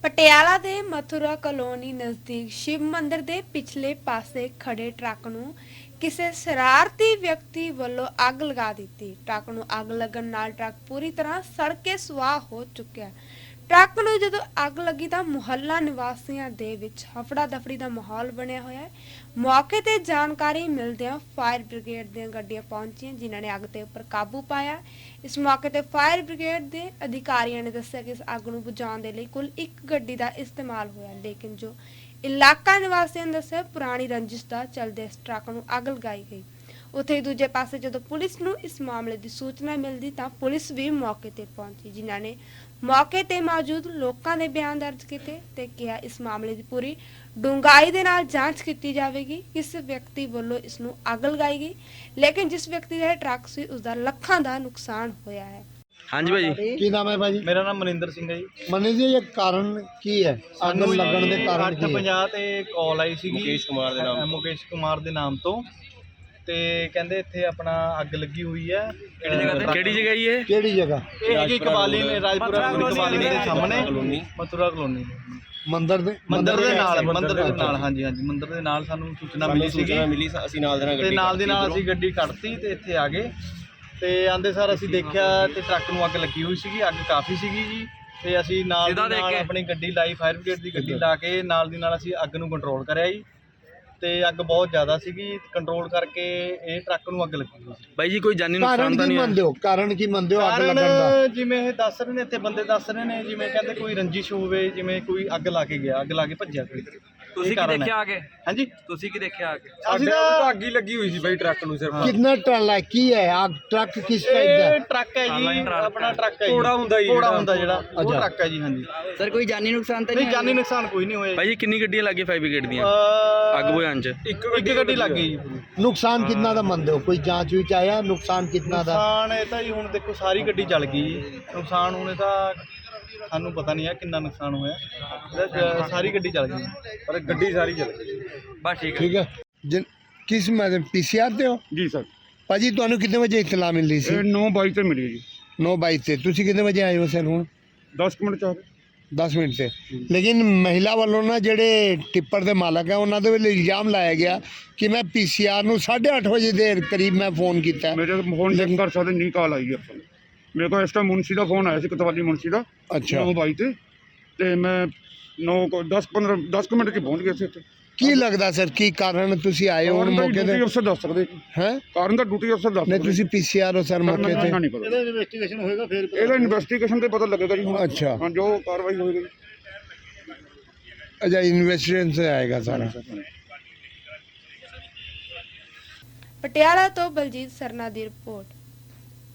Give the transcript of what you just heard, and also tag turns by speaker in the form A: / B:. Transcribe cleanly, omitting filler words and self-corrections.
A: ਪਟਿਆਲਾ ਦੇ ਮਥੁਰਾ ਕਲੋਨੀ ਨਜ਼ਦੀਕ ਸ਼ਿਵ ਮੰਦਿਰ ਦੇ ਪਿਛਲੇ ਪਾਸੇ ਖੜੇ ਟਰੱਕ ਨੂੰ ਕਿਸੇ ਸ਼ਰਾਰਤੀ ਵਿਅਕਤੀ ਵੱਲੋਂ ਅੱਗ ਲਗਾ ਦਿੱਤੀ। ਟਰੱਕ ਨੂੰ ਅੱਗ ਲੱਗਣ ਨਾਲ ਟਰੱਕ ਪੂਰੀ ਤਰ੍ਹਾਂ ਸੜ ਕੇ ਸੁਆਹ ਹੋ ਚੁੱਕਿਆ। ਟਰੱਕ ਨੂੰ ਜਦੋਂ ਅੱਗ ਲੱਗੀ ਤਾਂ ਮੁਹੱਲਾ ਨਿਵਾਸੀਆਂ ਦੇ ਵਿੱਚ ਹਫੜਾ ਦਫੜੀ ਦਾ ਮਾਹੌਲ ਬਣਿਆ ਹੋਇਆ ਹੈ। ਮੌਕੇ ਤੇ ਜਾਣਕਾਰੀ ਮਿਲਦਿਆਂ ਫਾਇਰ ਬ੍ਰਿਗੇਡ ਦੀਆਂ ਗੱਡੀਆਂ ਪਹੁੰਚੀਆਂ, ਜਿਨ੍ਹਾਂ ਨੇ ਅੱਗ ਤੇ ਉੱਪਰ ਕਾਬੂ ਪਾਇਆ। ਇਸ ਮੌਕੇ ਤੇ ਫਾਇਰ ਬ੍ਰਿਗੇਡ ਦੇ ਅਧਿਕਾਰੀਆਂ ਨੇ ਦੱਸਿਆ ਕਿ ਇਸ ਅੱਗ ਨੂੰ ਬੁਝਾਉਣ ਦੇ ਲਈ ਕੁੱਲ ਇੱਕ ਗੱਡੀ ਦਾ ਇਸਤੇਮਾਲ ਹੋਇਆ, ਲੇਕਿਨ ਜੋ ਇਲਾਕਾ ਨਿਵਾਸੀਆਂ ਨੇ ਦੱਸਿਆ ਪੁਰਾਣੀ ਰੰਜਿਸ਼ ਦਾ ਚੱਲਦੇ ਇਸ ਟਰੱਕ ਨੂੰ ਅੱਗ ਲਗਾਈ ਗਈ। ਉੱਥੇ ਦੂਜੇ ਪਾਸੇ ਜਦੋਂ ਪੁਲਿਸ ਨੂੰ ਇਸ ਮਾਮਲੇ ਦੀ ਸੂਚਨਾ ਮਿਲਦੀ ਤਾਂ ਪੁਲਿਸ ਵੀ ਮੌਕੇ ਤੇ ਪਹੁੰਚੀ, ਜਿਨ੍ਹਾਂ ਨੇ ਮੌਕੇ ਤੇ ਮੌਜੂਦ ਲੋਕਾਂ ਦੇ ਬਿਆਨ ਦਰਜ ਕੀਤੇ ਤੇ ਕਿਹਾ ਇਸ ਮਾਮਲੇ ਦੀ ਪੂਰੀ ਡੂੰਘਾਈ ਦੇ ਨਾਲ ਜਾਂਚ ਕੀਤੀ ਜਾਵੇਗੀ। ਕਿਸ ਵਿਅਕਤੀ ਵੱਲੋਂ ਇਸ ਨੂੰ ਅੱਗ ਲਗਾਈ ਗਈ, ਲੇਕਿਨ ਜਿਸ ਵਿਅਕਤੀ ਦਾ ਟਰੱਕ ਸੀ ਉਸ ਦਾ ਲੱਖਾਂ ਦਾ ਨੁਕਸਾਨ ਹੋਇਆ ਹੈ।
B: ਹਾਂਜੀ ਭਾਜੀ,
C: ਕੀ ਨਾਮ ਹੈ ਭਾਜੀ?
D: ਮੇਰਾ ਨਾਮ ਮਨਿੰਦਰ ਸਿੰਘ ਹੈ ਜੀ।
C: ਮਨੀ ਜੀ, ਇਹ ਕਾਰਨ ਕੀ ਹੈ? ਅੱਗ ਲੱਗਣ ਦੇ ਕਾਰਨ ਕੀ ਹੈ?
D: 8:50 ਤੇ ਕਾਲ ਆਈ ਸੀ
B: ਮੁਕੇਸ਼
D: ਕੁਮਾਰ ਦੇ ਨਾਮ ਤੋਂ, ਤੇ ਕਹਿੰਦੇ ਇੱਥੇ ਆਪਣਾ ਅੱਗ ਲੱਗੀ ਹੋਈ ਹੈ।
B: ਕਿਹੜੀ ਜਗ੍ਹਾ ਜੀ ਇਹ?
C: ਕਿਹੜੀ ਜਗ੍ਹਾ?
D: ਇਹ ਹੈਗੀ ਕਬਾਲੀ ਨੇ, ਰਾਜਪੁਰਾ ਕਬਾਲੀ ਦੇ ਸਾਹਮਣੇ ਮਥੁਰਾ ਕਲੋਨੀ ਮੰਦਿਰ ਦੇ ਨਾਲ ਹਾਂਜੀ ਮੰਦਿਰ ਦੇ ਨਾਲ ਸਾਨੂੰ ਸੂਚਨਾ ਮਿਲੀ ਸੀਗੀ।
B: ਅਸੀਂ ਨਾਲ
D: ਦੇ ਨਾਲ ਅਸੀਂ ਗੱਡੀ ਕੱਢਤੀ ਤੇ ਇੱਥੇ ਆ ਗਏ ਤੇ ਆਂਦੇ ਸਾਰ ਅਸੀਂ ਦੇਖਿਆ ਤੇ ਟਰੱਕ ਨੂੰ ਅੱਗ ਲੱਗੀ ਹੋਈ ਸੀਗੀ। ਅੱਗ ਕਾਫੀ ਸੀਗੀ ਜੀ, ਤੇ ਅਸੀਂ ਨਾਲ ਦੀ ਨਾਲ ਆਪਣੀ ਗੱਡੀ ਲਾਈ, ਫਾਇਰ ਬ੍ਰਿਗੇਡ ਦੀ ਗੱਡੀ ਲਾ ਕੇ ਨਾਲ ਦੀ ਨਾਲ ਅਸੀਂ ਅੱਗ ਨੂੰ ਕੰਟਰੋਲ ਕਰਿਆ ਜੀ। ਤੇ ਅੱਗ ਬਹੁਤ ਜ਼ਿਆਦਾ ਸੀਗੀ, ਕੰਟਰੋਲ ਕਰਕੇ ਇਹ ਟਰੱਕ ਨੂੰ ਅੱਗ ਲੱਗੀ ਹੋਈ ਸੀ।
B: ਬਾਈ ਜੀ ਕੋਈ ਜਾਨੀ ਨੁਕਸਾਨ ਤਾਂ ਨਹੀਂ ਹੋਇਆ?
C: ਕਾਰਨ ਕੀ ਮੰਨਦੇ ਹੋ ਅੱਗ ਲੱਗਣ ਦਾ?
D: ਜਿਵੇਂ ਇਹ ਦੱਸ ਰਹੇ ਨੇ, ਇੱਥੇ ਬੰਦੇ ਦੱਸ ਰਹੇ ਨੇ, ਜਿਵੇਂ ਕਹਿੰਦੇ ਕੋਈ ਰੰਜਿਸ਼ ਹੋਵੇ, ਜਿਵੇਂ ਕੋਈ ਅੱਗ ਲਾ ਕੇ ਗਿਆ, ਅੱਗ ਲਾ ਕੇ ਭੱਜਿਆ ਕੋਈ।
B: ਤੁਸੀਂ ਕੀ ਦੇਖਿਆ ਆ ਕੇ?
D: ਹਾਂਜੀ,
B: ਤੁਸੀਂ ਕੀ ਦੇਖਿਆ ਆ ਕੇ?
D: ਅਸੀਂ ਤਾਂ ਅੱਗ ਹੀ ਲੱਗੀ ਹੋਈ ਸੀ ਬਾਈ ਟਰੱਕ ਨੂੰ। ਸਿਰਫ
C: ਕਿੰਨਾ ਟਰਾਲਾ ਹੈ? ਕੀ ਹੈ ਆਗ? ਟਰੱਕ ਕਿਸ ਟਾਈਪ ਦਾ?
D: ਇਹ ਟਰੱਕ ਹੈ ਜੀ, ਆਪਣਾ ਟਰੱਕ ਹੈ, ਘੋੜਾ ਹੁੰਦਾ ਜਿਹੜਾ ਉਹ ਟਰੱਕ ਹੈ ਜੀ। ਹਾਂਜੀ
E: ਸਰ, ਕੋਈ ਜਾਨੀ ਨੁਕਸਾਨ ਤਾਂ
D: ਨਹੀਂ, ਜਾਨੀ ਨੁਕਸਾਨ ਕੋਈ ਨਹੀਂ ਹੋਇਆ
B: ਬਾਈ ਜੀ ਕਿੰਨੀ ਗੱਡੀਆਂ ਲੱਗੀਆਂ ਫਾਇਰ ਬ੍ਰਿਗੇਡ ਦੀਆਂ ਅੱਗ ਬੁਝਾਉਣ ਚ?
D: ਇੱਕ ਗੱਡੀ ਲੱਗ ਗਈ ਜੀ।
C: ਨੁਕਸਾਨ ਕਿੰਨਾ ਦਾ ਮੰਨਦੇ ਹੋ? ਕੋਈ ਜਾਂਚ ਵਿੱਚ ਆਇਆ ਨੁਕਸਾਨ ਕਿੰਨਾ ਦਾ?
D: ਨੁਕਸਾਨ ਇਹ ਤਾਂ ਜੀ ਹੁਣ ਦੇਖੋ ਸਾਰੀ ਗੱਡੀ ਜਲ ਗਈ ਜੀ। ਨੁਕਸਾਨ ਹੁਣ ਇਹ ਤਾਂ ਸਾਨੂੰ ਪਤਾ ਨਹੀਂ ਹੈ ਕਿੰਨਾ ਨੁਕਸਾਨ ਹੋਇਆ। ਸਾਰੀ ਗੱਡੀ ਜਲ ਗਈ, ਪਰ ਗੱਡੀ ਸਾਰੀ ਜਲ ਗਈ।
B: ਬਸ ਠੀਕ ਹੈ।
C: ਠੀਕ ਹੈ। ਕਿਸ ਮੈਡਮ ਪੀਸੀਆਰ ਤੇ ਹੋ?
F: ਜੀ ਸਰ,
C: ਭਾਜੀ ਤੁਹਾਨੂੰ ਕਿੰਨੇ ਵਜੇ ਇਤਲਾ ਮਿਲੀ ਸੀ?
F: ਇਹ 9:22 ਤੇ ਮਿਲੀ ਜੀ।
C: 9:22 ਤੇ ਤੁਸੀਂ ਕਿੰਨੇ ਵਜੇ ਆਏ ਹੋ ਸਰ? ਹੁਣ
F: 10 ਮਿੰਟ ਚਾਹ
C: 10 ਮਿੰਟ ਤੇ। ਲੇਕਿਨ ਮਹਿਲਾ ਵੱਲੋਂ ਨਾ ਜਿਹੜੇ ਟਿੱਪਰ ਦੇ ਮਾਲਕ ਹੈ ਉਹਨਾਂ ਦੇ ਵੱਲੋਂ ਇਲਜ਼ਾਮ ਲਾਇਆ ਗਿਆ ਕਿ ਮੈਂ ਪੀਸੀਆਰ ਨੂੰ 8:30 ਵਜੇ ਦੇ ਕਰੀਬ ਮੈਂ ਫੋਨ ਕੀਤਾ।
F: ਮੇਰੇ ਫੋਨ ਚੈੱਕ ਕਰ ਸਕਦੇ ਨਹੀਂ, ਕਾਲ ਆਈ ਹੈ ਆਪਾਂ ਨੂੰ। ਮੇਰੇ ਕੋਲ ਇਸ ਟਾਈਮ ਮੁਨਸੀ ਦਾ ਫੋਨ ਆਇਆ ਸੀ, ਕਤਵਾਲੀ ਮੁਨਸੀ ਦਾ।
C: ਅੱਛਾ।
F: 9:22 ਤੇ ਮੈਂ 10 ਮਿੰਟ ਕੇ ਪਹੁੰਚ ਗਿਆ ਸੀ ਇੱਥੇ।
C: ਕੀ ਲੱਗਦਾ ਸਰ ਕੀ ਕਾਰਨ ਤੁਸੀਂ ਆਏ ਹੋ ਹੁਣ ਮੌਕੇ ਤੇ?
F: ਡਿਊਟੀ ਅਫਸਰ ਦੱਸ ਸਕਦੇ
C: ਹੈ
F: ਕਾਰਨ ਦਾ, ਡਿਊਟੀ ਅਫਸਰ ਦੱਸ
C: ਨਹੀਂ
F: ਸਕਦੇ।
C: ਤੁਸੀਂ ਪੀਸੀਆਰ ਹੋ ਸਰ ਮੌਕੇ ਤੇ?
F: ਨਹੀਂ ਪਤਾ, ਇਹਦਾ ਇਨਵੈਸਟੀਗੇਸ਼ਨ ਹੋਏਗਾ ਫਿਰ। ਇਹਦਾ ਇਨਵੈਸਟੀਗੇਸ਼ਨ ਤੇ ਪਤਾ ਲੱਗੇਗਾ ਜੀ ਹੁਣ।
C: ਅੱਛਾ।
F: ਹਾਂ, ਜੋ ਕਾਰਵਾਈ ਹੋਏਗੀ।
C: ਅੱਛਾ, ਇਨਵੈਸਟੀਗੇਸ਼ਨ ਸੇ ਆਏਗਾ ਸਾਰਾ।
A: ਪਟਿਆਲਾ ਤੋਂ ਬਲਜੀਤ ਸਰਨਾ ਦੀ ਰਿਪੋਰਟ।